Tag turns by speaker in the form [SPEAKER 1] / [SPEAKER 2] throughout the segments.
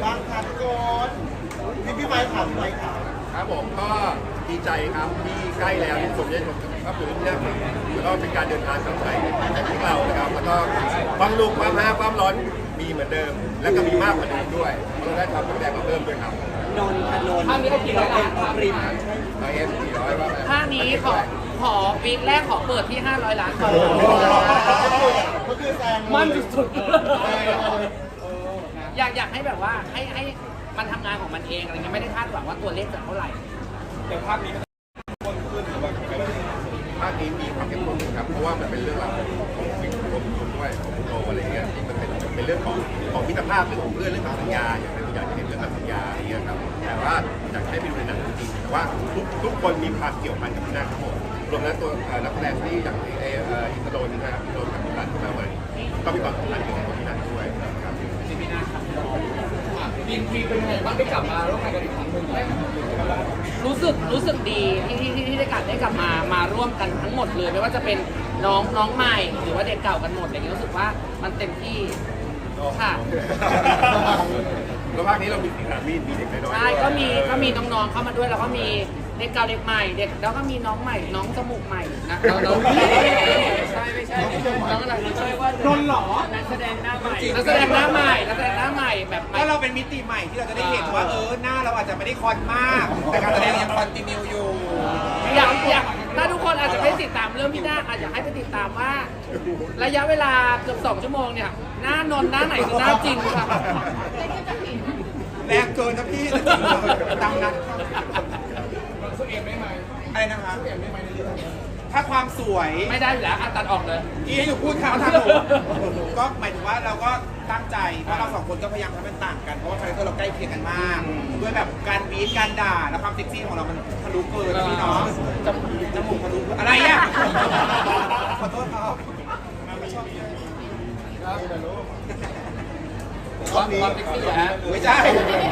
[SPEAKER 1] บ้างคะทุกคนพี่ไม้ถามพี่ไม้ถาม
[SPEAKER 2] ครับผมก็ดีใจครับที่ใกล้แล้วที่ผมได้ชมก็คือเรื่องหนึ่งแล้วก็เป็นการเดินทางกลับไทยของพวกเรานะครับแล้วก็ความลุกความฮาความร้อนมีเหมือนเดิม แล้วก็มีมากกว่าเดิมด้วยเราได้ทำแสดงมาเพิ่มด้วยครับ
[SPEAKER 1] นนท์
[SPEAKER 3] ภาคนี้เขากี่ร้อยล้านครับ
[SPEAKER 1] ริม
[SPEAKER 2] เอส400ว่าไง
[SPEAKER 3] ภาคนี้ขอวีคแรกขอเปิดที่ 500 ล้านก่อน
[SPEAKER 1] ก็คือแซง
[SPEAKER 3] มันสุดๆอยากให้แบบว่าให้มันทำงานของมันเองอะไรเงี้ยไม่ได้คาดหวังว่าตัวเลขจะเท่าไหร่
[SPEAKER 4] แต่ภาคนี้มันคนขึ้นหรือว่า
[SPEAKER 2] ภาคนี้มีความเข้มข้นครับเพราะว่ามันเป็นเรื่องราวของวิกรวมด้วยของโลอะไรเงี้ยที่มันเป็นเรื่องของมิตรภาพเรื่องของเพื่อนเรื่องของสัญญาอย่างที่อยากจะเห็นเรื่องของสัญญาอะไรเงี้ยครับแต่ว่าอยากให้ไปดูในหนังจริงๆแต่ว่าทุกคนมีความเกี่ยวพันกับพี่นาทั้งหมดรวมทั้งตัวนักแสดงที่อย่างอินทรนนะครับอินทรนกับพี่นาขึ้นมาใหม่ก็มีความสำคัญกับพี่นาด้วยครับ
[SPEAKER 3] พี่นาครับมีเป็นไงบ้างได้กลับมาร่วมงานกันอีกครั้งหนึ่งรู้สึกดีที่ได้กลับมาร่วมกันทั้งหมดเลยไม่ว่าจะเป็นน้องใหม่หรือว่าเด็กเก่ากันหมดอะไรเงี้ยรู้สึกว่ามันเต็มที่ค่ะ
[SPEAKER 2] แล้วภาคนี้เรามีสีสันมีเด็กน้อยๆ
[SPEAKER 3] ใช่ก็มีน้องๆเข้ามาด้วยแล้วก็มีเด็กเก่าเด็กใหม่เด็กแล้วก็มีน้องใหม่น้องจมูกใหม่นะน้องใช่ไม่ใช่น้องอะไรช่วยว่านนหรอนักแสดงหน้าใหม่นักแสดงหน้าใหม่แบบ
[SPEAKER 4] ถ้าเราเป็นมิติใหม่ที่เราจะได้เห็นว่าหน้าเราอาจจะไม่ได้คอนมาก แต่การแสดงยังคอนติเนียอยู่
[SPEAKER 3] อยากถ้าทุกคนอาจจะไม่ติดตามเรื่องพี่นาอาจจะให้ไปติดตามว่าระยะเวลาเกือบ2 ชั่วโมงเนี่ยหน้านนหน้าไหนคือหน้าจริงครับ
[SPEAKER 4] แรงเกินนะพี่ตามนั้นอะไรนะคะถ้าความสวย
[SPEAKER 3] ไม่ได้อยู่แล้วตัดออกเลย
[SPEAKER 4] ที่ให้อยู่พูดข่าวทางหนูก็หมายถึงว่าเราก็ตั้งใจเพราะเราสองคนก็พยายามทำให้มันต่างกันเพราะว่าคาแรคเตอร์เราใกล้เคียงกันมากด้วยแบบการบีทการด่าและความเซ็กซี่ของเรามันทะลุเกินพี่น้องจมูกทะลุอะไรอ่ะขอโทษครับไม่ชอบ
[SPEAKER 3] ความเซ็กซี่ฮะ
[SPEAKER 4] ไม่ใช่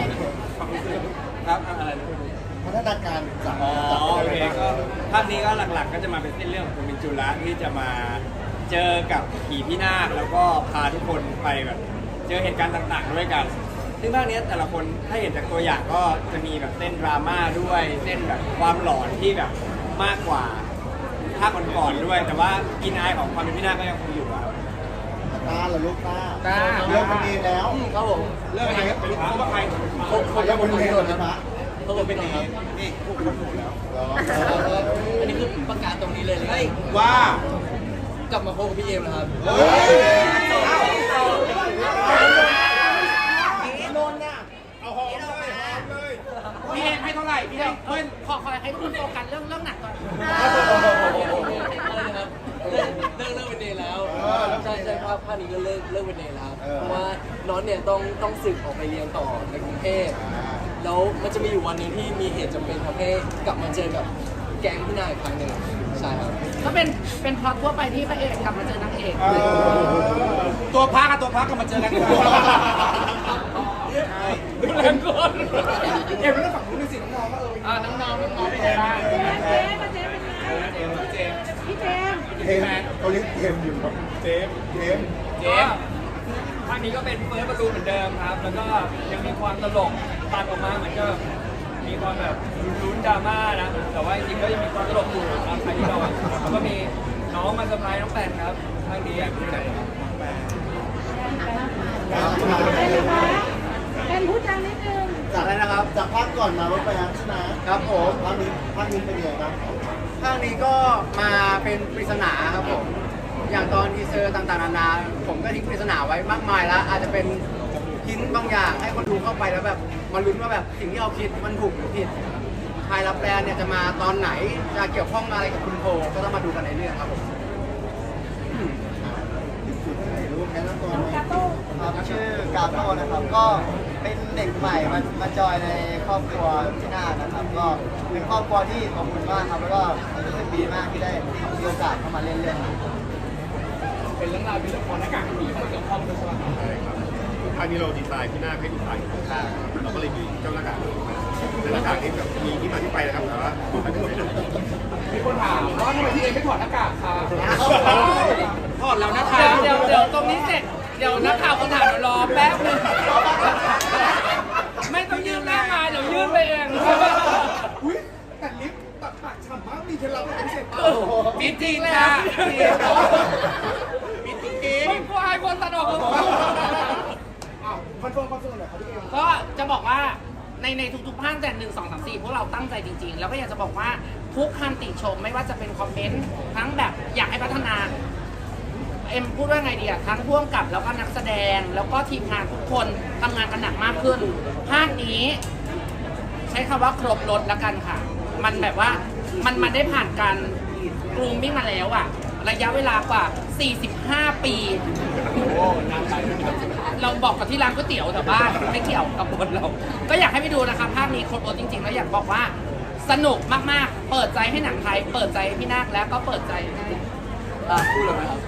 [SPEAKER 1] ครับพัฒนาการจาก
[SPEAKER 5] โอเคก็ภาคนี้ก็หลักๆก็จะมาเป็นเส้นเรื่องของคุณมินจุระที่จะมาเจอกับผีพี่นาคแล้วก็พาทุกคนไปแบบเจอเหตุการณ์ต่างๆด้วยกันซึ่งภาคนี้แต่ละคนถ้าเห็นจากตัวอย่างก็จะมีแบบเส้นดราม่าด้วยเส้นแบบความหลอนที่แบบมากกว่าภาคก่อนๆด้วย แต่ว่ากินอายของความเป็นพี่นาคก็ยังคงอยู่ครับ
[SPEAKER 1] ตาเหรอลูกตาเลิกเป็นเนรแล้ว
[SPEAKER 3] ครับผม
[SPEAKER 4] เรื่องอะไรครับเขาว่าใคร
[SPEAKER 1] เขาจะเป็นเนรแล้วนะ
[SPEAKER 4] เขาเป็นเนรนี่พวกคนหมดแล้ว
[SPEAKER 3] อันนี้คือประกาศตรงนี้เลย
[SPEAKER 4] ว่
[SPEAKER 3] ากลับมาพบกับพี่เอมนะครับพี่เอมให้เท่าไหร่พี่เอมขอให้ทุกคนโฟกัสเรื่องหนักก่อน
[SPEAKER 6] เลิกเป็นเนรแล้วใช่ภาคนี้ก็เลิกเป็นเนรแล้วเพราะว่าน้องเนี่ยต้องศึกออกไปเรียนต่อในกรุงเทพแล้วมันจะมีอยู่วันหนึ่งที่มีเหตุจำเป็นทำให้กลับมาเจอกับแก๊งพี่นายอีกครั้งหนึ่งใช่ครับ
[SPEAKER 3] ก็เป็นพล็อตทั่วไปที่พระเอกกลับมาเจอนางเอก
[SPEAKER 4] ตัวพักกับตัวพักก็มาเจอกัน
[SPEAKER 3] ดูแรงก่อน
[SPEAKER 4] เอ็มแล้วฝั่งนู้นสิน้องๆก็
[SPEAKER 3] น้องเป็นไงบ้าง
[SPEAKER 1] เขาเรียกเทมอยู่ครับเจม
[SPEAKER 5] ภาคนี้ก็เป็นเฟิร์สบอลลูนเหมือนเดิมครับแล้วก็ยังมีความตลกตัดออกมาเหมือนก็มีความแบบลุ้นดราม่านะแต่ว่าจริงๆก็ยังมีความตลกอยู่ตามใครที่เราแล้วก็มีน้องมาเซอร์ไพรส์น้องแปนครับภาคนี้
[SPEAKER 7] เป็นผู้จังนิดนึง
[SPEAKER 1] จากอะไรนะครับจากภาคก่อนมาว่าไปแล้วใช่ไหมครับผมภาคนี้เป็นยังไงบ้าง
[SPEAKER 6] ภาคนี้ก็มาเป็นปริศนาครับผมอย่างตอนทีเซอร์ต่างๆนานาผมก็ทิ้งปริศนาไว้มากมายแล้วอาจจะเป็นหินบางอย่างให้คนดูเข้าไปแล้วแบบมาลุ้นว่าแบบสิ่งที่เราคิดมันถูกหรือผิดชายรับแรงเนี่ยจะมาตอนไหนจะเกี่ยวข้องอะไรกับคุณโพก็ต้องมาดูกันในเรื่องครับผม
[SPEAKER 1] รู้แค่นั้นตัว
[SPEAKER 7] กาโต้
[SPEAKER 8] ครับชื่อกาโต้นะครับก็เป็นเด็กใหม่มาจอยในครอบครัวพี่นาคนะครับก็เป็นครอบครัวที่อบอุ่นมากครับแล้วก็รู้สึกดีมากที่ได้มีโอกาสเข้ามาเล่นเรื่องนี้
[SPEAKER 4] เป็นเรื่องราวเป็นเรื่องของหน้ากากผีเข้ามาเกี่ยวข้องด้วยใช่ไหม
[SPEAKER 2] ใช่ครับภาคนี้เราดีไซน์ที่หน้าให้ดูตายอยู่ข้างๆเราก็เลยมีเจ้าหน้ากากมาแต่หน้ากากนี้แบบมีที่มาที่ไปนะครับแต่ว่า
[SPEAKER 4] มีคนถามว่าทำไมพี่เอไม่ถอดหน้ากากคะถอดแล้วนะคะ
[SPEAKER 3] เดี๋ยวตรงนี้เสร็จเดี๋ยวนักข่าวคนถามเดี๋ยวรอแป๊บนึง
[SPEAKER 1] เคล็ดลับอะไรพิเศษ
[SPEAKER 4] มิจริงค่ะมิจริง
[SPEAKER 3] ไม่กลัวไอ้คนตัดออกเลย
[SPEAKER 1] คอนเฟิร์มหน่อยครับพี่เอม
[SPEAKER 3] ก็จะบอกว่าในทุกๆภาคแต่1 2 3 4พวกเราตั้งใจจริงๆ แล้วก็อยากจะบอกว่าทุกคำติชมไม่ว่าจะเป็นคอมเมนต์ทั้งแบบอยากให้พัฒนาเอ็มพูดว่าไงดีอะทั้งพ่วงกับแล้วก็นักแสดงแล้วก็ทีมงานทุกคนทำงานกันหนักมากขึ้น ภาคนี้ใช้คำว่าครบรถแล้วกันค่ะ มันแบบว่ามันได้ผ่านการกรูมมิ่งมาแล้วอะระยะเวลากว่า 45 ปี เราบอกกับที่ร้านก๋วยเตี๋ยวแถวบ้านไม่เกี่ยวกับบทเรา ก็อยากให้ไปดูนะคะภาคนี้ครบรถจริงๆ แล้วอยากบอกว่าสนุกมากๆ เปิดใจให้หนังไทย เปิดใจให้พี่นาคแล้วก็เปิดใจให้พูดเลยไหมครับ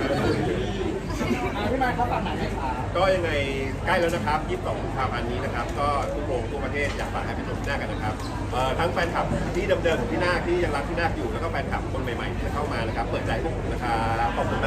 [SPEAKER 3] พี่มาเขาฝากหนังให้ค่ะ
[SPEAKER 2] ก็ยังไงใกล้แล้วนะครับ 22 กุมภาพันธ์นี้นะครับ ก็ทุกโรงทั่วประเทศอยากฝากให้ไปชมพี่นาคกันนะครับทั้งแฟนคลับที่เดิมๆของพี่นาคที่ยังรักพี่นาคอยู่แล้วก็แฟนคลับคนใหม่ๆที่จะเข้ามานะครับ เปิดใจพวกผมนะครับขอบคุณ